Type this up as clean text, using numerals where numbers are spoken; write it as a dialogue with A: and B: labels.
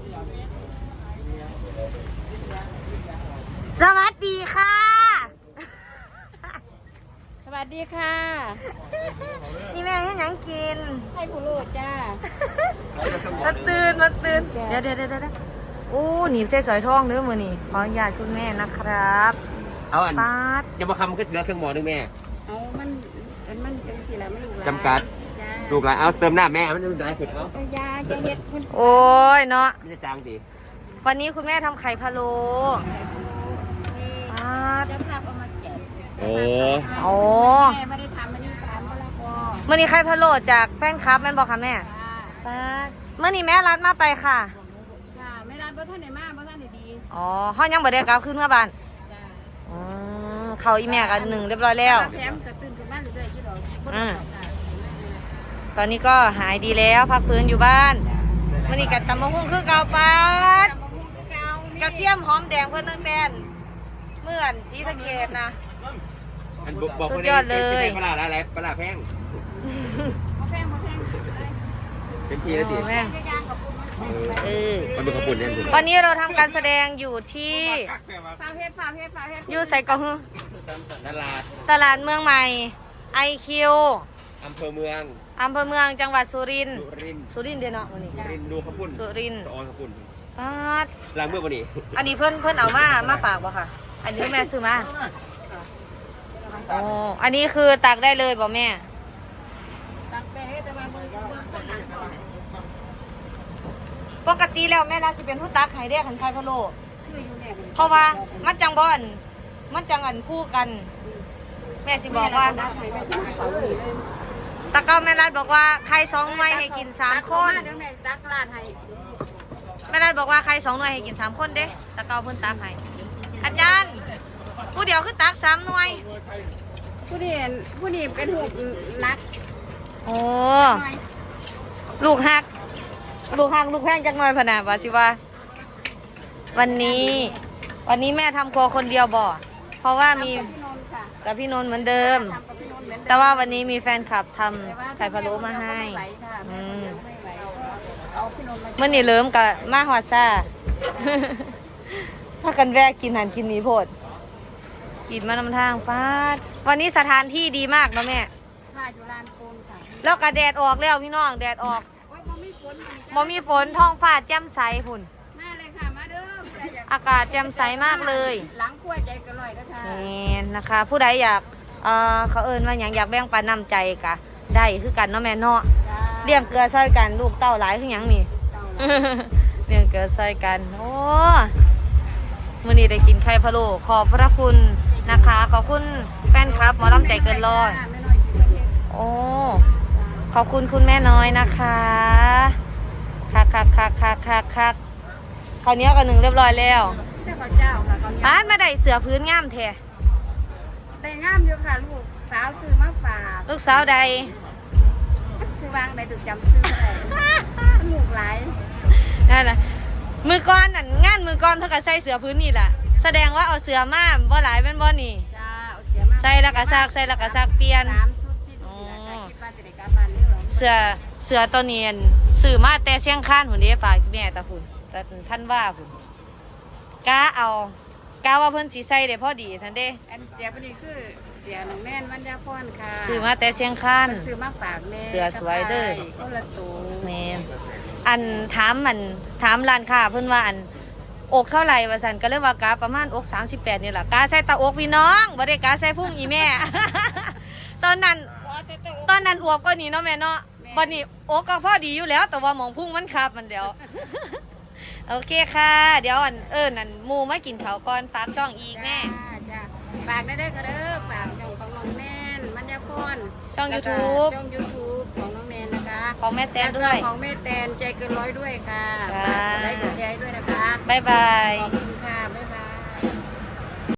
A: สวัสดีค่ะ
B: สวัสดีค่ะ
A: นี่แม่ให้หยังกิน
B: ให้ผู้โลดจ้า
A: มาตื่นเดี๋ยวโอ้หนีบใส่สอยทองเด้อมือนี่ขออนุญาตคุณแม่นะครับ
C: เอาอัน
A: ปาด
C: ยังมาคำก็เหลือเครื่องหมอนึงแม่
B: เอามันจังสิแล้วมันลูกหลาน
C: จำกัดลูกหลานเอาเติมหน้าแม่มันได้สุดเขา
B: ยาจะเฮ็ดคุณ
A: โอ้ยเนาะ
C: ไม่จะจางดี
A: วันนี้คุณแม่ทำไข่พะโล้ปาด
B: เจ้าภาพเอามาแกะ
C: โอ้
A: โอ้
B: แม่ไม่ได้ทำมันนี่ทำมะละกอ
A: มื่อนี้ไข่พะโล้จากแฟนคลับแม่นบอกค่ะแม่ปาดเมื่อนี้แม่รัดมาไปค่ะ
B: ค่ะไม่ร้านบ่ท่านไหนมาบ่ท่านไหนดี
A: อ๋อห้องยังบ่ได้กลับขึ้นมาบ้าน
B: จ้า
A: เขาอีแม่กันหนึ่งเรียบร้อยแล้ว
B: แถมกระตื่นขึ้นบ้านเรื่อยๆยี่ดอก
A: ตอนนี้ก็หายดีแล้วพักฟื้นอยู่บ้านมื่อนี้กัดตำมะฮุ่งคือเก่าปาดกระเทียมหอมแดงเพื่อนตั้งแต่เมื่อนสีสะเกดนะ
C: บอกคนนี้เป็นปลาอะไรปลาแพงเป็นทีละทีมันเป็นขบุนเนี่ย
A: วันนี้เราทำการแสดงอยู่ที่อยู่ใส่กระหือตลาดเมืองใหม่IQ
C: อำเภอเมื
A: องจังหวัดสุรินทร์เดียวเนาะวันนี้
C: สุรินดูขบุน
A: สุรินทร์
C: ออนขบุน
A: ปาด
C: ล้างเมื่อวันนี้
A: อันนี้เพื่อนเอามาฝากบ่ค่ะอันนี้แม่ซื้อมาโอ้อันนี้คือตักได้เลยบ่แม่
B: ตักไปให้แต่ว่าเบิ่งคนหลังก่อน
A: ปกติแล้วแม่เราจะเป็นผู้ตักไข่เด็กขันไข่พะโล้
B: คืออยู่เนี่ย
A: เพราะว่ามันจังบ่อนมันจังอันคู่กันแม่จะบอกว่าตะเก้าแม่รัดบอกว่าใคร2 หน่วยให้กิน3 คน
B: ตักลาดให้
A: แม่รัดบอกว่าใคร2 หน่วยให้กิน3 คนเด้ตะเก้าเพิ่นตักให้อาจารย์ผู้เดียวคือตัก3 หน่วย
B: ผู้นี้เป็นหูนัก
A: โอ้ลูกแพงจังหน่อยพะนะว่าสิว่าวันนี้แม่ทำครัวคนเดียวบ่เพราะว่ามีกับพี่นนท์เหมือนเดิมแต่ว่าวันนี้มีแฟนคลับทำไข่พะโล้มาให้เมื่อนี่เริ่มกับมาฮอดซ่าถ้ากันแวะกินหันกินหนีโพดกินมานำทางฟาดวันนี้สถานที่ดีมากเนาะแม่
B: ค่ะอยู่ลานโคนค่ะ
A: แล้วก็แดดออกแล้วพี่น้องแดดออกบ่มีฝนท้องฟ้าแจ่มใสพุ่น
B: มาเลยค่ะมาเด้อ
A: อากาศแจ่มใสมากเลย
B: หลังขั้วใจกันลอยนะคะ
A: นี่นะคะผู้ใดอยากเขาเอิ้นว่าอย่างอยากแบ่งปันน้ำใจกะได้คือกันเนาะแม่เนาะเลี้ยงเกลือใส่กันลูกเต้าหลายคือหยังนี่เลี้ยงเกลือใส่กันโอ้มื้อนี้ได้กินไข่พะโล้ขอบพระคุณนะคะขอบคุณแฟนคลับหมอลำใจเกินร้อยโอ้ขอบคุณคุณแม่น้อยนะคะคักข้าวเหนียวกับ1เรียบร้อยแล้ว
B: เจ้าค่ะ
A: ป้ามาได้เสือพื้นงามแท้
B: แต่งามอยู่ค่ะลูกสาวซื้อมาฝาก
A: ลูกสาวใด
B: ซื้อวางได้ถูกจำซื้อได้ลูกหลาย
A: นั่นน่ะมือก้อนนั่นงานมือก้อนเท่ากับใส่เสือพื้นนี่แหละแสดงว่าเอาเสือมาบ่หลายเป็นบ่นี่ใส่แล้วก็ซักเปลี่ยนเสือตัวนี้ซื้อมาแต่เชียงคานหุ่นเด้ฝากแม่ตาหุ่นแต่ท่านว่าหุ่นกาว่าเพิ่นสีใส่ได้พอดีท่านเด้
B: อันเสียพอดีคือเสียหนุ่มแม่นวันยาพรค่ะ
A: ซื้อมาแต่เชียงคาน
B: ซื้อมาฝากแม่
A: เสือสวยเด้อ
B: คนละตัว
A: แม่อันถามร้านค้าเพิ่นว่าอันอกเท่าไหร่ว่าซั่นก็เลยว่ากาประมาณอก38นี่แหละกาใส่ตาอกพี่น้องบ่ได้กาใส่พุงอีแม่ ตอนนั้นอวบก็นี่เนาะแม่เนาะบัดนี้อกก็พอดีอยู่แล้วแต่ว่าหมองพุงมันคับมันเดียว โอเคค่ะเดี๋ยวนั่นหมูมากินเขาก่อนฝากช่องอีกแม่
B: ฝากได้ก็เด้อฝากช่องของน้องแนนมัญญาพร
A: ช่อง YouTube
B: ของน้องแนนนะคะ
A: ของแม่แตนด้วย
B: ของแม่แตนใจเกินร้อยด้วยค่ะฝากไลค์กดแชร์ด้วยนะคะ
A: บ๊ายบาย